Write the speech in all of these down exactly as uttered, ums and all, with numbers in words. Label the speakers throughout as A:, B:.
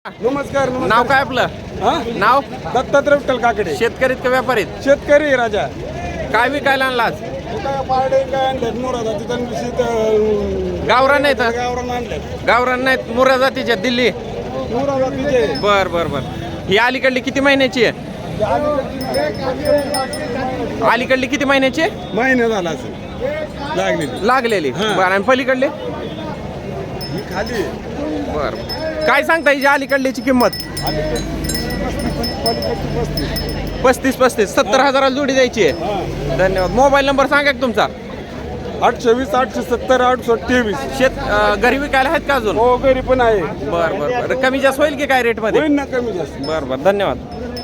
A: नमस्कार नमस्कार.
B: नाव काय आपलं?
A: हा?
B: नाव
A: दत्तात्रय विठ्ठल काकडे.
B: शेतकरीत का व्यापारीत?
A: शेतकरी आहे राजा.
B: काय विकायला आणला आज?
A: काय पारडे काय आणतात मोरा तिथं निश्चित
B: गावरान नाहीत
A: गावरान आणतात.
B: गावरान नाहीत मुरा जातीच्या दिल्ली.
A: मोरा जातीचे.
B: बर बर बर ही अलीकडली किती महिन्याची आहे? अलीकडली किती महिन्याची आहे?
A: महिने झाला असेल लागलेली.
B: लागलेली
A: हा.
B: बर आणि पलीकडली?
A: ही खाली
B: बर काय सांगता हिची अलीकडलीची किंमत? पस्तीस पस्तीस सत्तर हजाराला जोडी द्यायची आहे. धन्यवाद. मोबाईल नंबर सांगा की तुमचा?
A: आठशे वीस आठशे सत्तर आठशे तेवीस.
B: शेत अं, घरी विकायला आहेत का अजून?
A: हो घरी पण आहे.
B: बर बर बर कमी जास्त होईल की काय रेट मध्ये?
A: होईल ना कमी जास्त.
B: बर बर धन्यवाद.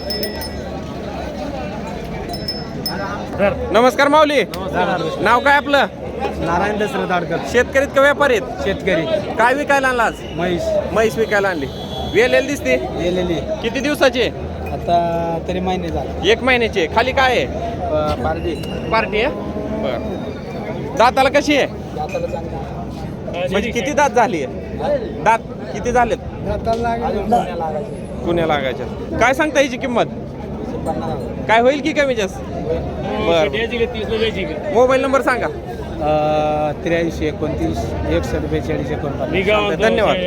B: नमस्कार माऊली. नाव काय आपलं?
C: नारायण दसरथ आडकर.
B: शेतकरीत का व्यापारीत?
C: शेतकरी.
B: काय विकायला आणला आज?
C: म्हैस
B: म्हैस विकायला आणली. वेलेल दिसते.
C: गेलेली
B: किती दिवसाची?
C: आता तरी महिने झाला.
B: एक महिन्याची आहे. खाली काय आहे?
C: प- पारडी
B: पार्टी आहे. बर दाताला कशी आहे?
C: दाताला चांगला.
B: म्हणजे किती दात झाली आहे? दात किती झालेत?
C: दाताला अजून सोन्या लागायचे.
B: कुण्या लागायच्या? काय सांगता याची किंमत?
C: पन्नास हजार.
B: काय होईल की कमी जास्त? बर मोबाईल नंबर सांगा?
C: अं, त्र्याऐंशी एकोणतीस एकसष्ट बेचाळीस एकोणपन्नास.
B: धन्यवाद.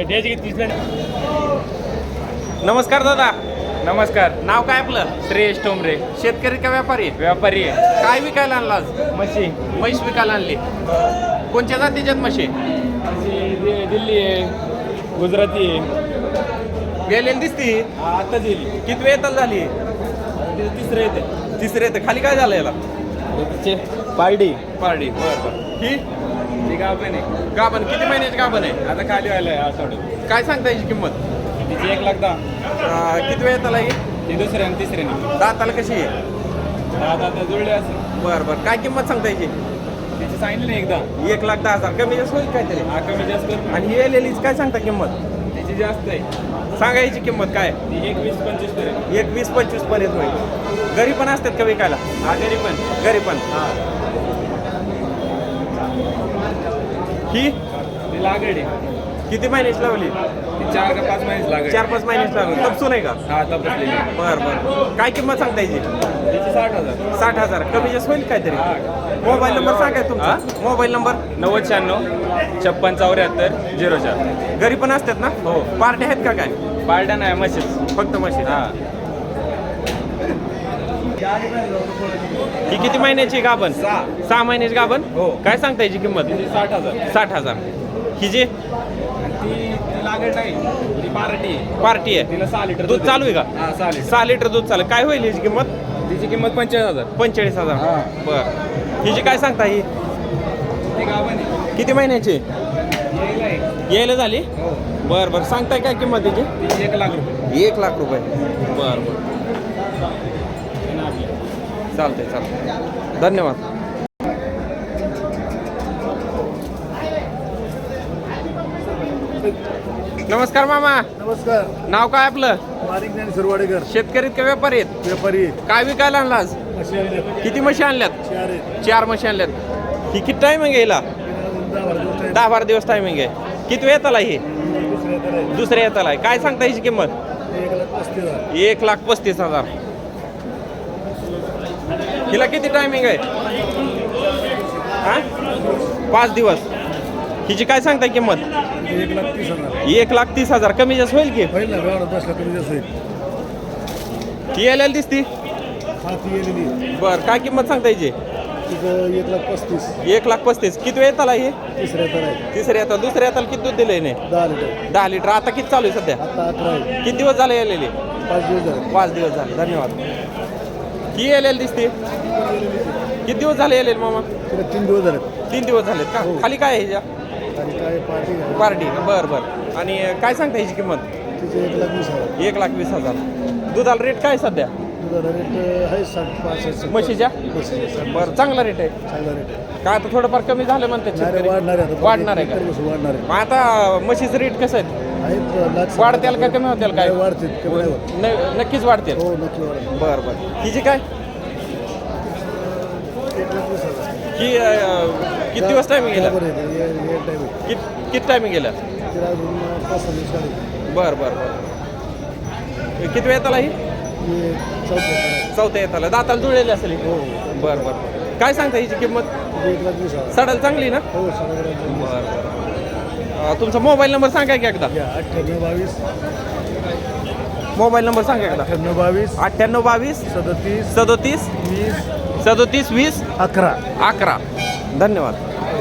B: नमस्कार दादा.
D: नमस्कार.
B: नाव काय आपलं?
D: श्रेयश टोमरे.
B: शेतकरी का व्यापारी?
D: व्यापारी आहे.
B: काय विकायला आणला आज?
D: म्हशी
B: म्हैस विकायला आणली. कोणत्या जातीच्यात म्हशी?
D: म्हशी दि- दिल्ली आहे, गुजराती आहे.
B: वेलेल दिसती.
D: आता दिली
B: किती वेतन झाली?
D: तिसरं येते.
B: तिसरे तर खाली काय झालं याला?
D: चे पारडी
B: पारडी. बर बर ही
D: ती गाभण आहे.
B: गाभण किती महिन्याची गाभण आहे?
D: आता खाली व्हायला आहे आठवड्यात.
B: काय सांगता याची किंमत?
D: तिची एक लाख दहा.
B: अं, किती वेळ त्याला ही?
D: ती दुसऱ्या आणि तिसऱ्याने.
B: दाताला कशी आहे?
D: आता आता जुळले असेल.
B: बर बर काय किंमत सांगता याची?
D: तिची सांगितली नाही एकदा.
B: एक लाख दहा हजार कमी जास्त होईल काहीतरी.
D: हा कमी जास्त करू.
B: आणि ही एलेलीच काय सांगता किंमत?
D: तिची जास्त आहे.
B: सांगा याची किंमत काय?
D: ती एक वीस पंचवीस पर्यंत.
B: एक वीस पंचवीस पर्यंत होईल. घरी पण असतात का विकायला?
D: हा घरी पण.
B: घरी पण.
D: हा
B: ही
D: ती लागड आहे.
B: किती महिन्याची लावली?
D: ती चार का पाच महिन्याची लागड.
B: चार पाच महिन्याची लावली. तपसून आहे का?
D: हा तपासलेली.
B: बर बर काय किंमत सांगता याची?
D: तिची साठ हजार.
B: साठ हजार कमी जास्त होईल काहीतरी. मोबाईल नंबर सांगा तुमचा? Mobile number?
D: नव्वद शहाण्णव छप्पन चौऱ्याहत्तर झिरो चार.
B: घरी पण असतात ना?
D: हो.
B: पार्ट्या आहेत का काय?
D: पार्ट्या नाही म्हशीच.
B: फक्त मशीन.
D: हा
B: ही किती महिन्याची गाभण?
D: सहा.
B: सहा महिन्याची गाभण.
D: हो.
B: काय सांगता याची किंमत?
D: तिची साठ हजार.
B: साठ हजार. ही जी
D: आणि ती ती लागत नाही. ती पार्टी आहे.
B: पार्टी आहे
D: तिला सहा लिटर
B: दूध चालू आहे का?
D: हा सहा लिटर.
B: सहा लिटर दूध चालू. काय होईल याची किंमत?
D: तिची किंमत पंचेचाळीस हजार.
B: पंचेचाळीस हजार.
D: हा.
B: बर हिची काय सांगता ही?
D: ती गाभण आहे.
B: किती महिन्याची?
D: यायला आहे.
B: यायला झाली?
D: हो.
B: बर बर सांगताय काय किंमत त्याची?
D: तिची एक लाख रुपये.
B: एक लाख रुपये. बर बर
D: आणि आपली.
B: चालतंय चालतंय. धन्यवाद. नमस्कार मामा.
A: नमस्कार.
B: नाव काय आपलं?
A: बारीक ज्ञानी सुरवाडेकर.
B: शेतकरीत का व्यापारी आहेत?
A: व्यापारी.
B: काय विकायला आणला आज?
A: अशी आहे.
B: किती म्हशी आणल्यात?
A: चार आहेत.
B: चार म्हशी आणल्यात. ही किती टायमिंग आहे हिला?
A: दहा बारा दिवस आहे.
B: दहा बारा दिवस टायमिंग आहे. किती वेळ येताला ही?
A: दुसऱ्या तर आहे.
B: दुसऱ्या येताला आहे. काय सांगता याची किंमत?
A: एक लाख पस्तीस हजार.
B: एक लाख पस्तीस हजार. हिला किती टायमिंग आहे? हा पाच दिवस. हिची काय सांगताय किंमत?
A: एक लाख तीस हजार.
B: एक लाख तीस हजार कमी जास्त होईल की?
A: होईल ना व्यवहार बसला कमी जास्त होईल.
B: ती यायला दिसती.
A: हा ती गेलेली.
B: बर काय किंमत सांगता याची?
A: तिथं एक लाख पस्तीस.
B: एक लाख पस्तीस. किती वेळ येताला ही?
A: तिसऱ्या तर आहे.
B: तिसऱ्या येताला. दुसऱ्या येताला किती दूध दिलंय नाही?
A: दहा लिटर.
B: दहा लिटर. आता किती चालू आहे सध्या?
A: आता अकरा आहे.
B: किती दिवस झाले यायलेले?
A: पाच दिवस झाले.
B: पाच दिवस झाले. धन्यवाद. ही यायला दिसते. किती दिवस झाले यायले मामा?
A: तिला तीन दिवस झाले.
B: तीन दिवस झालेत का? खाली काय आहे ह्याच्या?
A: आणि काय पार्टी आहे.
B: पार्टी. बर बर आणि काय सांगता ह्याची किंमत?
A: तिचे एक लाख वीस हजार.
B: एक लाख वीस हजार. दुधाला रेट काय सध्या?
A: दुधाला रेट आहे साठ पासष्ट.
B: म्हशीच्या?
A: म्हशीच्या साठ.
B: बरं चांगला रेट आहे.
A: चांगला रेट आहे.
B: काय आता थोडंफार कमी झालं म्हणते
A: नाही रे, वाढणार आहे आता.
B: वाढणार आहे का?
A: इतर वर्षी वाढणार आहे.
B: मग आता म्हशीचं रेट कसं आहे?
A: आहेत लाख.
B: वाढतील का कमी होतील काय?
A: नाही, वाढतील. कमी नाही होत.
B: न- नक्कीच वाढतील.
A: हो नक्की वाढणार.
B: बरं बरं हिची काय?
A: एक लाख वीस हजार.
B: ही अं, किती दिवस टायमिंग गेला?
A: बरोबर आहे. हे- हे टाईम आहे.
B: किती किती टायमिंग गेला?
A: तिला अजून पाच सहा दिवस काढायचे.
B: बरं बरं बरं किती वेळ येताला ही चौथ्या येताला दाताला जुळलेली असेल ही? बरं बरं काय सांगता हिची किंमत सडायला चांगली ना बरं बरं तुमचा मोबाईल नंबर सांगा की एकदा
A: अठ्ठ्याण्णव बावीस
B: मोबाईल नंबर सांगा एकदा
A: अठ्ठ्याण्णव बावीस
B: अठ्ठ्याण्णव बावीस
A: सदतीस
B: सदोतीस
A: वीस
B: सदोतीस वीस
A: अकरा
B: अकरा धन्यवाद